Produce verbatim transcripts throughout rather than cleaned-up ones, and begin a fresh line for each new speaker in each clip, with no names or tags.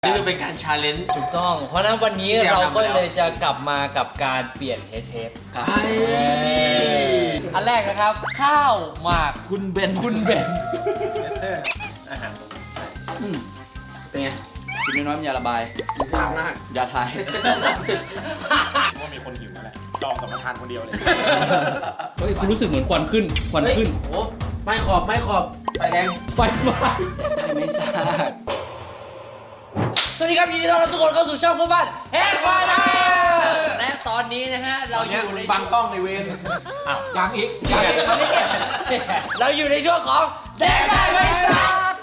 นี่คือเป็นการชาเลนจ์
ถูกต้อง เพราะฉะนั้นวันนี้เราก็เลยจะกลับมากับการเปลี่ยนเฮดเชฟอันแรกนะครับ ข้าวหมากคุณเบนคุณเบนอาหารเป็นไงกินน้อยๆมันยาระบายกินข้าวมากยาไทย
ว่ามีคนหิวแล้วแหละจองกับประธานคนเดียวเลย
เฮ้ยคุณรู้สึกเหมือนควันขึ้นควันขึ้น
โอ้ไม่ขอบไม่ขอบไฟแดง
ไฟไหม้ไม่ทราบสวัสดีครับยินดีต้อนรับทุกคนเข้าสู่ช่องพ่อบ้านเฮดไฟไลน์และตอนนี้นะฮะเราอยู่ใน
บังกล้องในเวร
อ้าวยังอีกยังอีกเราอยู่ในช่วงของแดกได้ไหมสัก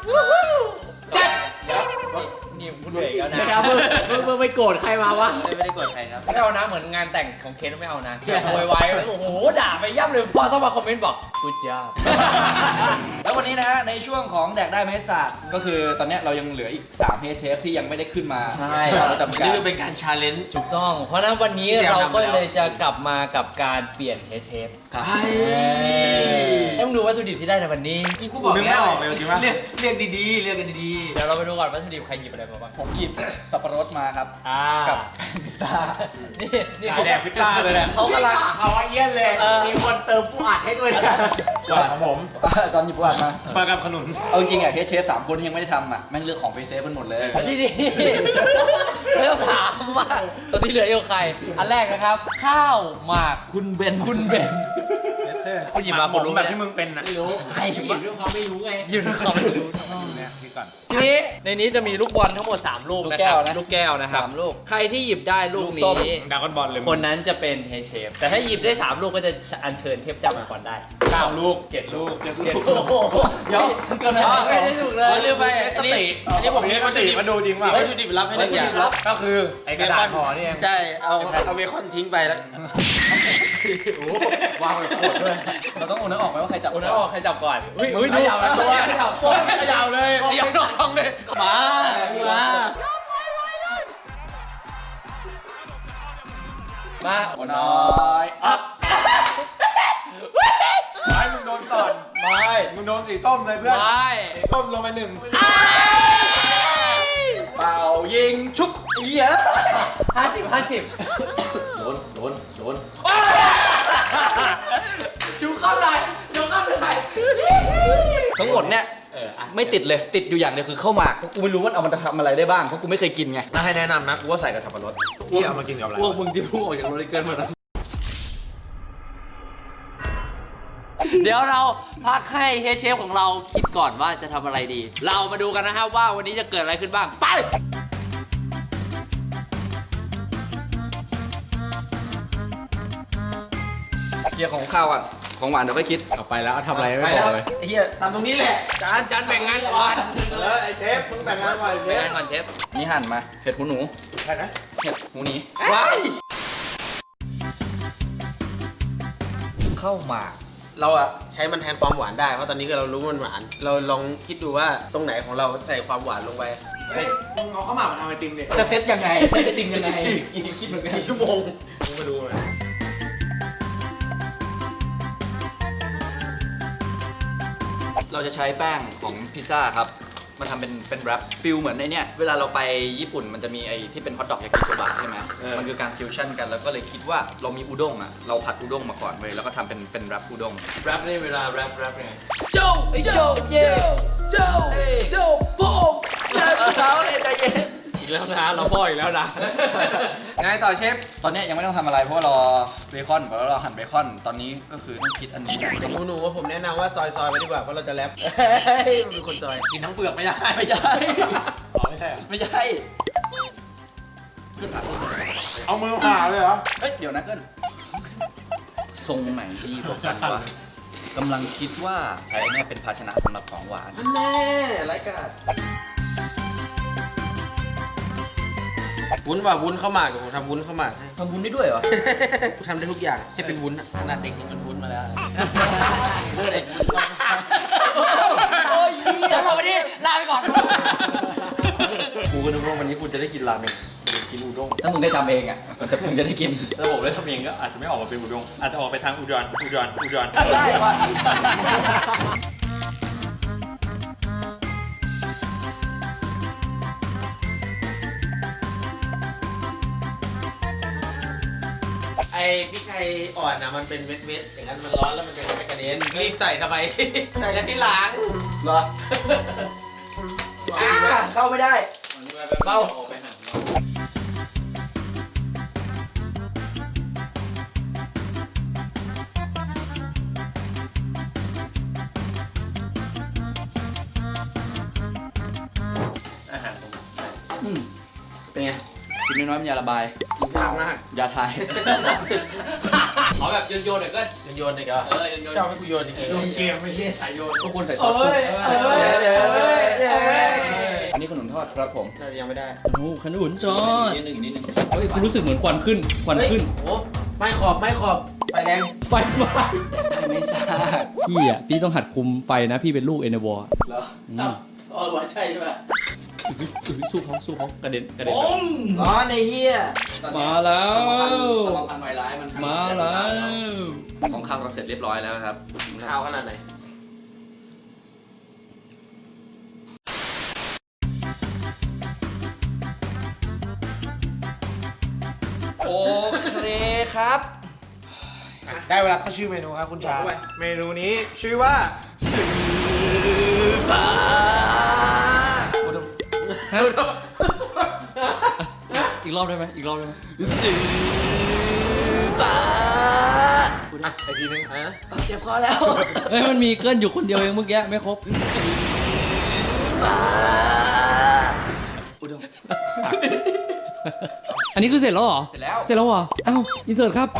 นี่คุณเบรกแล้วนะ
มึงมึงไปโกรธใครมาวะ
ไม่ได้โกรธใครครับไม่เอานะเหมือนงานแต่งของเคนไม่เอานะแค่โวยวายโอ้โหด่าไปย่ำเลยพอต้องมาคอมเมนต์บอกกูจ้า
แล้ววันนี้นะฮะในช่วงของแดกได้ไหมศาสตร์ก็คือตอนนี้เรายังเหลืออีกสามเฮดเชฟที่ยังไม่ได้ขึ้นมา
ใช่
เราจำกัด
นี่คือเป็นการชาเลนจ์
ถูกต้องเพราะนั้นวันนี้เราก็เลยจะกลับมากับการเปลี่ยนเฮดเชฟต้องดูวัตถุดิบที่ได้ในวันนี้
กูบอกแล้วเรียกเรียกดีๆเรียกกันดี
ๆเดี๋ยวเราไปดูก่อนวัตถุดิบใครหยิบอะไรมาบ้าง
ผมหยิบสับปะรดมาครับกับพิซซ่า
นี่นี่เขา
แดกพิซซ่าเลยแหละ
เขากำลัง
เขาเยี่ยนเลยมีคนเติมปูอัดให้ด้วยนะ
ส่วนของผม
ตอนหยิบปูอัดมา
ปลากับขนุน
เอาจริงอ่ะเฮดเชฟสามคนที่ยังไม่ได้ทำอ่ะแม่งเลือกของไปเซฟกันหมดเลย
นี่ดิไม่ต้องถามว่าส่วนที่เหลืออยู่ใครอันแรกนะครับข้าวหมากคุณเบนคุณเบน
คุณหยิบมาผมรู้แบบที่มึงเป็นนะ
ไม่รู้ใครหยิบด้วยความไม่รู้ไง
หยิบด้วยความไม่รู้
เนี่ยพี่ก่อน
ทีนี้ในนี้จะมีลูกบอลทั้งหมดสามลูกนะครับลูกแก้วนะครับสามลูกใครที่หยิบได้ลูกนี้
ดากอนบอลเลย
คนนั้นจะเป็นเฮดเชฟแต่ถ้าหยิบได้สามลูกก็จะอัญเชิญเทพเจ้ามังกรได้
เก้าลูกเจ็ดลูกเจ็ดลูก
เดี๋ยวเกินไปไม่ได้ถูกเลย
เรื่องไปอันนี้อันนี้ผมมีวัตถุดิบ
มาดูจริงว่า
วัตถุดิบรับให้ได้อย่าง
ก็คือไอ้กระดาษห่อนี่เอง
ใช่เอาเอาเบคอนทิ้งไปแล้ว
วางไว้โคตรด้วยเราต้องโอนน้ำออกไหมว่าใครจับ
โอนน้ำออกใครจับก่อน
อุ้ยอุ้ยยาวเลยตัว
ขยับตัวขยับเลย
ขยับน้องเลยมามา
มาโอนน้อย
อัพไม่มึงโดนก่อนไม่มึงโดนสีส้มเลยเพื่อน
ไม่
ส้มลงไปหนึ่ง
เป่ายิงชุบเยอะ
ห้าสิบห้าสิบ
โดนโดนโดน
ชูเข้าไหนชูเข้าไหน
ทั้งหมดเนี่ยไม่ติดเลยติดอยู่อย่างเดียวคือข้าวหมากกูไม่รู้ว่าเอามันจะทำอะไรได้บ้างเพราะกูไม่เคยกินไง
ถ้าให้แนะนำนะกูว่าใส่กับสับปะรด
พี่เอามากินกับอะไร
พวกมึงที่พุ่งออกจากโรลิเกิลมาแล้ว
เดี๋ยวเราพักให้เฮดเชฟของเราคิดก่อนว่าจะทำอะไรดีเรามาดูกันนะครับว่าวันนี้จะเกิดอะไรขึ้นบ้างไป
เคลียร์ของข้าวอ่ะของหวานเดี๋ยวค่อยคิด
เอาไปแล้วทำอะไรไม่บอกเลยไอ้เหี้ยทำตรงนี้แหละ
จานจานแบ่งงานก่อน
เออไอ้เชฟมึงแบ่งงานก่อนเชฟ
แบ่งก่อนเชฟ
นี่หั่นมาเห็ดหูหนู
ใช่ไหม
เห็ดหูหนี
ว้าย
ข้าวหมาก
เราอะใช้มันแทนความหวานได้เพราะตอนนี้คือเรารู้มันหวานเราลองคิดดูว่าตรงไหนของเราใส่ความหวานลงไปเฮ้ยมึงเอาข้าวหมากมาทำไอติมเนี่ย
จะเซตยังไงเซตไอติมยังไงคิดเหมือนกัน
ชั่วโมง
มึงมาดูเลย
เราจะใช้แป้งของพิซซ่าครับมาทำเป็นเป็นแรปฟิลเหมือนในเนี้ยเวลาเราไปญี่ปุ่นมันจะมีไอ้ที่เป็นฮอทดอกยากิโซบะใช่ไหมมันคือการฟิวชั่นกันแล้วก็เลยคิดว่าเรามีอุด้งอ่ะเราผัดอุด้งมาก่อนเลยแล้วก็ทำเป็นเป็นแรปอุด้ง
แรปนี่เวลาแรปแรปไง
โจไอ้โจเย่โจโจโป้ง
เขาเลยใจเย็น
อีกแล้วนะเราพ่ออีกแล้วนะ
ไงต่อเชฟตอนนี้ยังไม่ต้องทำอะไรเพราะรอเบคอนเพราะเราหั่นเบคอนตอนนี้ก็คือต้องคิดอันนี้
หนูหนูว่าผมแนะนำว่าซอยซอยไปดีกว่าเพราะเราจะแรปเฮ้ยมันเป็นคนซอยกินทั้งเปลือกไม่ได้
ไม่ใช่
อ๋อไม่ใช่
ไม่ใช่
เอามือผ่าเลยเหรอ
เอ้ยเดี๋ยวนะเกินทรงไหนดีกว่ากันวะกำลังคิดว่าใช้เนี่ยเป็นภาชนะสำหรับของหวาน
แน่ไรกันวุ้นว่าวุ้นข้าวหมากผมทำวุ้นข้าวหมากให้
ทำวุ้นได้ด้วยเหรอ
กูทำได้ทุกอย่างให้เป็นวุ้นขนาดเด็กนี่มันวุ้นมาแล้วเด็ก
จะมาวันนี้ลาไปก่อน
กูก็นึกว่าวันนี้กูจะได้กินราเมงกินอุด้ง
ถ้ามึงได้ทำเองอ่ะมันจะมึงจะได้กิน
ถ้าผมได้ทำเองก็อาจจะไม่ออกมาเป็นอุด้งอาจจะออกไปทางอุดรอุดรอุดร
ได้ว่ะ
อ้พริกไทยอ่อนนะมันเป็นเม็ดๆอย่างนั้นมันร้อนแล้วมันจะไม่กระเด็นรีบใส่ทำไม ใส่กันที่หลัง
เหรออ่าเข้าไม่ได้เบา
อาหารผม
อืม
เป็นไง
กินน้อยๆมันยาระบาย
กินยากมาก
ยาไทย
ขอแบบโยนโยนหน่อยก็
โยนโยนอีกเหรอ
เออโยนโยน
ชอบให้กูโยนอีก
โยนเกมไม่ใช่สายโยน
ก็ควรใส่ซอส
เอ้ยเอ้ยเอ้ยเอ้ย
อันนี้ขนมทอดครับผม
น่าจะยังไม่ได้
โอ้โหขนุนจอด
นิดนึงนิดนึง
เฮ้ยกูรู้สึกเหมือนควันขึ้น ควันขึ้น
โอ้ไม่ขอบไม่ขอบไฟแรง
ไฟไหม้
ไม่ทราบ
พี่อ่ะ พี่ต้องหัดคุมไฟนะ พี่เป็นลูกเอเนวอร์
เหรอ
อ้าวเออว่าใช่ใช่ไหม
สู้เขาสู้เขากระเด็นกระเด็น
ร้อนไอ้เหี้ย
มาแล้ว
สมพันธ์ไวร้ายมัน
มาแล้ว
ของข้าวเราเสร็จเรียบร้อยแล้วครับ
ข้าวขนาดไหน
โอเคครับ
ได้เวลาเข้าชื่อเมนูครับคุณชา
บอกไป
เมนูนี้ชื่อว่า
ฮะอีกรอบได้ไหมอีกรอบได้ไหม
อ่ะไอทีนึง
ฮะ
เจ็บคอแล้ว
เฮ้ยมันมีเกินอยู่คนเดียวเองเมื่อกี้ไม่ครบ
อุดม
อันนี้คือเสร็จแล้วเหรอ
เสร็จแล้ว
เสร็จแล้วเหรออ้าวอินเสิร์ตครับ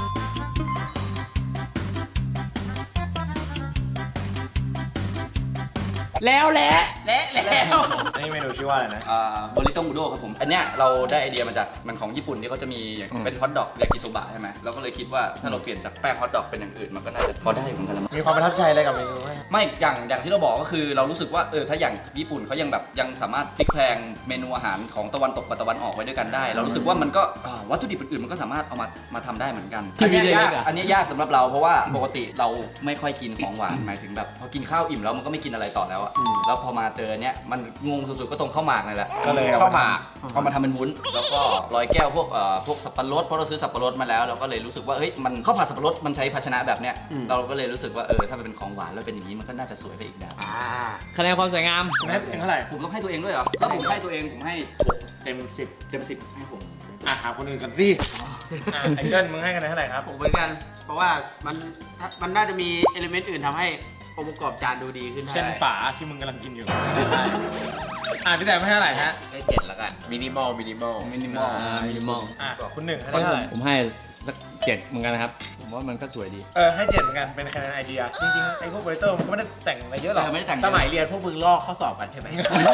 แล้วแหละ
เละแล้ว
อันนี้เมนูชื่อว่าอะไรนะ
อ่าโบริโตมูโดครับผม อันเนี้ยเราได้ไอเดียมาจากมันของญี่ปุ่นที่เขาจะมีอย่างเป็นฮอทดอกยากิโซบะใช่ไหมเราก็เลยคิดว่าถ้าเราเปลี่ยนจากแป้งฮอทดอกเป็นอย่างอื่นมันก็น่าจะพอได้เหมือนกันละมั้ง
มีความประทับใจอะไรกับเมนูไหม
ไม่อย่างอย่างที่เราบอกก็คือเรารู้สึกว่าเออถ้าอย่างญี่ปุ่นเขายังแบบยังสามารถพลิกแพลงเมนูอาหารของตะวันตกกับตะวันออกไว้ด้วยกันได้ เรารู้สึกว่ามันก็อ่าวัตถุดิบอื่นๆมันก็สามารถเอามามาทำได้เหมือนกัน
ที่
อันเนี้ย
มีเล็
ยาก
กๆอะ
อันเนี้ยยากสำหรับเราเพราะว่าปกติเราไม่ค่อยกินของหวานหมายถึงแบบพอกินข้าวอิ่มแล้วมันก็ไม่กินอะไรต่อแล้วอะแล้วพอมาเจอเนี้ยมันงงสุดๆก็ตรงข้าวหมากนี่แหละ
ก็เลย
ข้าวหมากเอามาทำเป็นวุ้นแล้วก็ลอยแก้วพวกเอ่อพวกสับปะรดเพราะเราซื้อสับปะรดมาแล้วเราก็เลยรู้สึกว่าเฮ้ยมันข้าวผัดสับปะรดมันใช้ภาชนะแบบเนี้ยเราก็เลยรู้สึกว่าเออถ้ามันเป็นของหวานแล้วเป็นอย่างนี้มันก็น่าจะสวยไปอีกแบบ
อ่า
คะแนนความสวยงาม
คุณให้เป็นเท่าไหร่
ผมต้องให้ตัวเองด้วยเหรอถ้าผมให้ตัวเองผมให้
เต็มสิบ
เต็มสิบให้ผม
อ่ะหาคนอื่นกันสิอ่ะไอเกิลมึงให้คะแนนเท่าไหร่ครับ
ผมเหมือนกัน เพราะว่ามันมันน่าจะมีเอลิเมนต์อื่นทำให้องค์ประกอบจานดูดีขึ้นได้
เช่นฝาที่มึงกำลังกินอยู่ อ่ะพี่แต่ไม่ให้เท่าไหร่ฮะ
ให้เจ็ดแล้วกันมินิมอลมินิมอล
มินิมอล
อ่ามินิมอล
อ่ะคุณหนึ่งให้เท่าไหร่
ผมให้สักเจ็ดเหมือนกันนะครับ ผมว่ามันก็สวยดี
เออให้เจ็ดเหมือนกันเป็นคะแนนไอเดีย จริงๆไอพวกโปรเตอร์มันก็ไม่ได้แต่งอะไรเยอะหรอก
เออไม่ได้แต่งเย
ส
อะ
มัยเรียนพวกมึงลอกข้อสอบกันใช่ไหม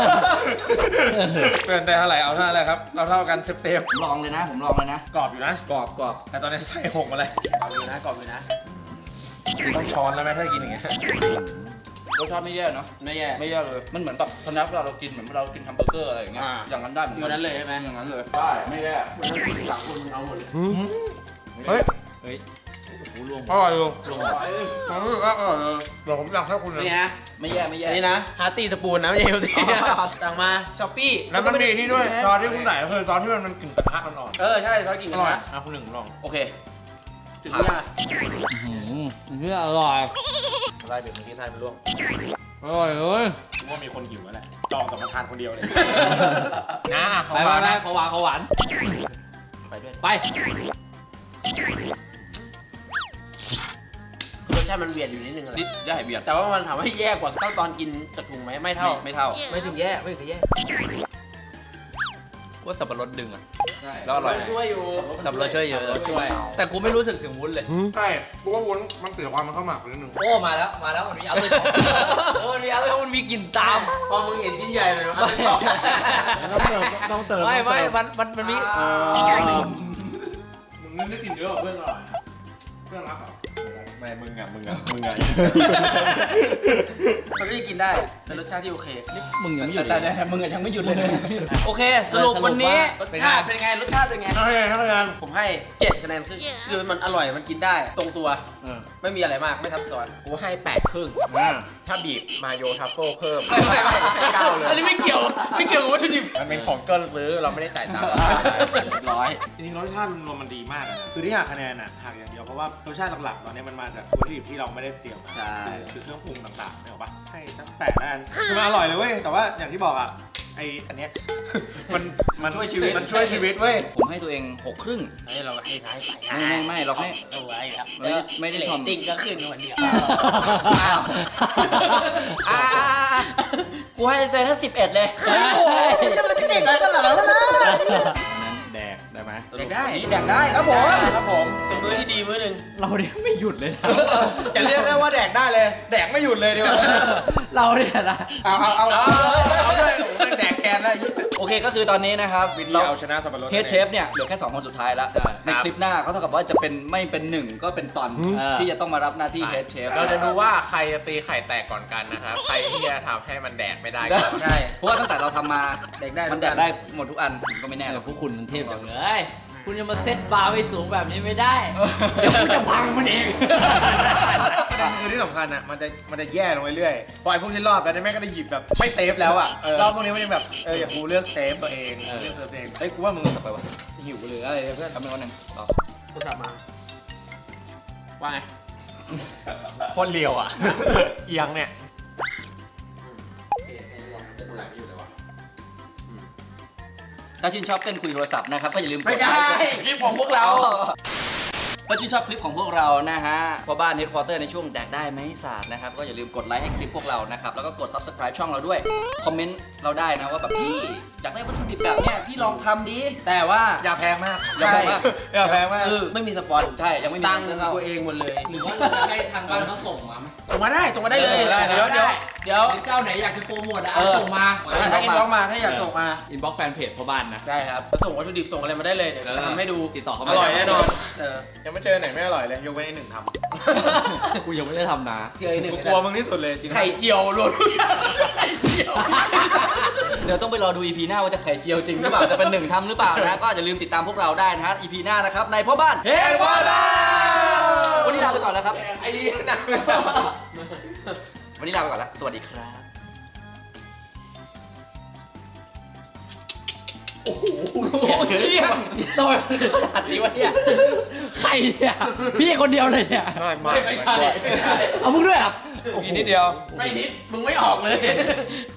เกินได้เท่าไหร่เอาเท่าไหร่ครับเอาเท่ากันเซฟ
ผมลองเลยนะ ผมลองเลยนะ
ๆกรอบอยู่นะ
กรอบกรอบ
แต่ตอนนี้ใส่หกมาเลย
กรอบอยู่นะกรอบอยู่นะ
ต้องช้อนแล้วไหมถ้ากินอย่างเงี้ย
รสชาติไม่แย่เนาะ
ไม่แย่
ไม่แย่เลยมันเหมือนแบบสแน็คเวลาเรากินเหมือนเรากินแฮมเบอร์เกอร์อะไรอย่างเงี้ย
อ่า
อย่างนั้นได้เหมือน
อ
กั
ยู่นั้นเลยใช่ไหม
อย่างนั้นเลยได้ไม่แย่
มันต้องกินสามคนเอาหมดเลย
เฮ้ย
เฮ้ยโอ้โหรวม
อร่อยอยู่
รวม
ผมรู้สึกว่าอร่อยเลยเดี๋ยวผมสั่งให้คุณนะ
นี่นะ
ไม่แย่ไม่แย่
อันนี้นะฮาร์ตี้สปูนนะไม่ใช่เฮลตี้
อ๋อ
สั่งมาช้อปปี้
แล้วมันมีนี่ด้วยตอนที่คุณใส่ก็คือตอนที่มันมันกลิ่นกระทะอ่อน
เออใช่ซอสกิน
ๆ
กั
อน ร่อย
นะ
อ่ะคุณหนึ่งลอง
โอเค
ถึงเวลา
อื้อหือเพื่ออร่อย
ไล่เบรกเมื่อกี้ทานไปร่วง
อร่อยเอ้ย
ผมว่ามีคนหิวแล้วแหละจองกับมาทานคนเดียวเลยนะ
ไปไปไปขอหวานขอหวาน
ไปด้วย
ไป
คือรสชาติมันเวียนอยู่นิดนึงอะไร
นิดย่าเบียด
แต่ว่ามันถามว่าแย่กว่าเท่าตอนกินจากถุงไหมไม่เท่า
ไม่เท่า
ไม่ถึงแย่ไม่ถึงแย่
ว่าสับปะรดดึงอ่ะ
ใช่
แล้วอร่อย
ช่วยอยู่
สับปะรดช่วยเยอะช่วย แต่กูไม่รู้สึกถึงวุ้นเลย
ใช่เพราะว่าวุ้นมันเสียความมันเข้าหมักไปนิดนึง
โอ้มาแล้วมาแล้วมันมีอัลเตอร์ช็อปเออมันมีอัลเตอร์ช็อปมันมีกลิ่นตาม
พอมึงเห็นชิ้นใหญ่เลยมันจะชอบ
ต้องเติมต้องเติม
ไม่ไม่มันมันมันมี
มึงนี่ได้กินเยอะกว่าเพื่อนอร่อยเพื่อนรักเหรอไม่มึงอ่ะมึงอ่ะมึงอ่ะ
มันก็ยังกินได้อะเป็นรสชาติที่โอเค
มึงยังไม่หยุด
แต่
เลย
แต่มึงอะยังไม่หยุดเลย
โอเค สรุปวันนี้
รสชาติเป็นไงรสชาติเป็นไง
เท่าไหร่เท่าไหร่
ผมให้เจ็ดคะแนนครึ่งคือมันอร่อยมันกินได้ตรงตัว
เออ
ไม่มีอะไรมากไม่ซับซ้อน
กูให้แปดครึ่ง
อ่า
ถ้าบีบมาโยทัฟเฟิลเพิ่ม
ไม่ไม่ไม่
ให้เก้าเลย
อันนี้ไม่เกี่ยวไม่เกี่ยวกับวัตถุดิบ
มันเป็นของเกินซื้อเราไม่ได้จ่ายตังค์
ร้อย
จริงๆรสชาติรวมมันดีมากเลยนะคือที่หักคะแนนอ่ะหักอย่างเดียวเพราะว่ารสชาติหลักๆตอนนี้มันมาจากวัตถุดิบที่เราไม่ได้เตรียมมา
ใช่
คือเครื่องปรุงต่างๆเนี่ยหรอปะให้ตั้งแต่ละอันคือมันอร่อยเลยเว้ยแต่ว่าอย่างที่บอกอ่ะไออันเนี้ยมันมัน
ช่วยชีวิต
มันช่วยชีวิตเว้ย
ผมให้ตัวเองหกครึ่ง
เฮ้ยเราให้ท้ายไป
ไม่ไม่ไม่เราให้
เอาไว้ครับ
ไม่ได้ไม่ได้
เรต
ทอม
ติ้งก็ขึ้นวันเดียว
อ้าวอ่ากูให้ตัวเองแค่สิบเอ็ดเลย
เฮ้ยโอ้ยมันจะเก่งอะไรขนาดนั้นนะ
นั้นแดกได้ไหม
แดกได้แดกได้ครับผม
ครับผม
เป็นมื้อที่ดีมื้อหนึ่ง
เราเนี่ยไม่หยุดเลยนะ
อย่าเรียกได้ว่าแดกได้เลย แดกไม่หยุดเลยดีกว่า
เราเนี่ยนะ
เอาเอาเอาเอาเอาเลยแดกแกนได้
โอเคก็คือตอนนี้นะครับ
วิธี
เรา
เอาชนะสับปะรด
เฮดเชฟเนี่ยเหลือแค่สองคนสุดท้ายแล้ว ในคลิปหน้าก็เท่ากับว่าจะเป็นไม่เป็นหนึ่งก็เป็นตอนที่จะต้องมารับหน้าที่เฮดเชฟ
เราจะดูว่าใครจะตีไข่แตกก่อนกันนะครับใครที่จะทำให้มันแดกไม่ได้ก่อน
ใช่
เพราะว่าตั้งแต่เราทำมา
แดกได้
มันแดกได้หมดทุกอันผมก็ไม่แน่หร
แต่
อก
พวกคุณมันเทพจังเลย คุณจะมาเซตบาร์ไว้สูงแบบนี้ไม่ได้ เดี๋ยวกูจะพังมันเอง
คือที่สำคัญอ่ะมันจะมันจะแย่ลงเรื่อยๆพอไอ้พวกที่รอบแล้วเนี่ยแม่งก็ได้หยิบแบบไม่เซฟแล้วอ่ะรอบพวกนี้มันยังแบบเอออย่างกูเลือกเซฟตัวเองเลือกเซฟตัวเองเฮ้ยกูว่ามึง
ต่อไปวะ
หิวหรืออะไรเนี่ยเพื่อน
ทำเป็นวันหนึ่งต่อ
กูกลับมาว่าไง
โคนเลียวอ่ะ เอียงเนี่ย
ถ้าชื่นชอบเต้นคุยโทรศัพท์นะครับก็อย่าลืมก
ไม่
ด
ได้
ไลค์
คลิปของพวกเรา
ถ้าชื่นชอบคลิปของพวกเรานะฮะพ่อบ้านเฮดควอเตอร์ในช่วงแดกได้ไหมศาสตร์นะครับก็อย่าลืมกดไลค์ให้คลิปพวกเรานะครับแล้วก็กด ซับสไครบ์ ช่องเราด้วยคอมเมนต์เราได้นะว่าแบบพี่อยากได้วัตถุดิบแบบเนี้ยพี่ลองทำดีแต่ว่า
อย่าแพงมาก
อย่าแพงมาก
อย่าแพงมาก
คือไม่มีสปอน
ใช่ยังไม่มี
ตังค์
เงินเข้า
ตัวเองหมดเลย
หรือว่าเราจะให้ทางบ้านเขาส่งมาไหม
ส่งมาได้ส่งมาได้เลย
เออได้
เดี๋ยวเดี๋ยวเดี๋ยว
หรือเจ้าไหนอยากจะโปรโมทอ่ะ
เออ
ส่งมา
ถ้าอินบ็อกซ์มาถ้าอยากส่งมา
อินบ็อกซ์แฟนเพจพ่อบ้านนะ
ได้ครับส่งวัตถุดิบส่งอะไรมาได้เลยเดี๋ยวจะทำให้ดู
ติดต่อเข้า
อ
มา
ร่อยแน่นอนเออ
ยังไม่เจอไหนไม่อร่อยเลยยกเว้นไอ้หนึ่งท
กูยังไม่ได้ทำนะ
เจอไอ้ห
ำ
นึ่ง
กูกลัวมึงที่สุดเลยจริงๆ
ไข่เจียวรวมทุกอย่างไข่เจียว
เดี๋ยวต้องไปรอดู อี พี หน้าว่าจะไข่เจียวจริงหรือเปล่าจะเป็นหนึ่งทำหรือเปล่านะก็อย่าลืมติดตามพวกเราได้นะฮะ อี พี หน้านะครับในพ่อบ้านเฮดควอเตอร์วันนี้ลาไปก่อนแล้วครับ
ไอ้นี่นะ
วันนี้ลาไปก่อนแล้วสวัสดีครับ
เสียงเที่ยงทำไมมันขนาดนี้วะเนี่ย ใครเนี่ย พี่คนเดียวเลยเนี่ย
ไม่ไม่
ไม่ใช่ไม่ใช่
เอามึงด้วยเหรอ่ะ
อีกนิดเดียว
ไม่นิดมึงไม่ออกเลย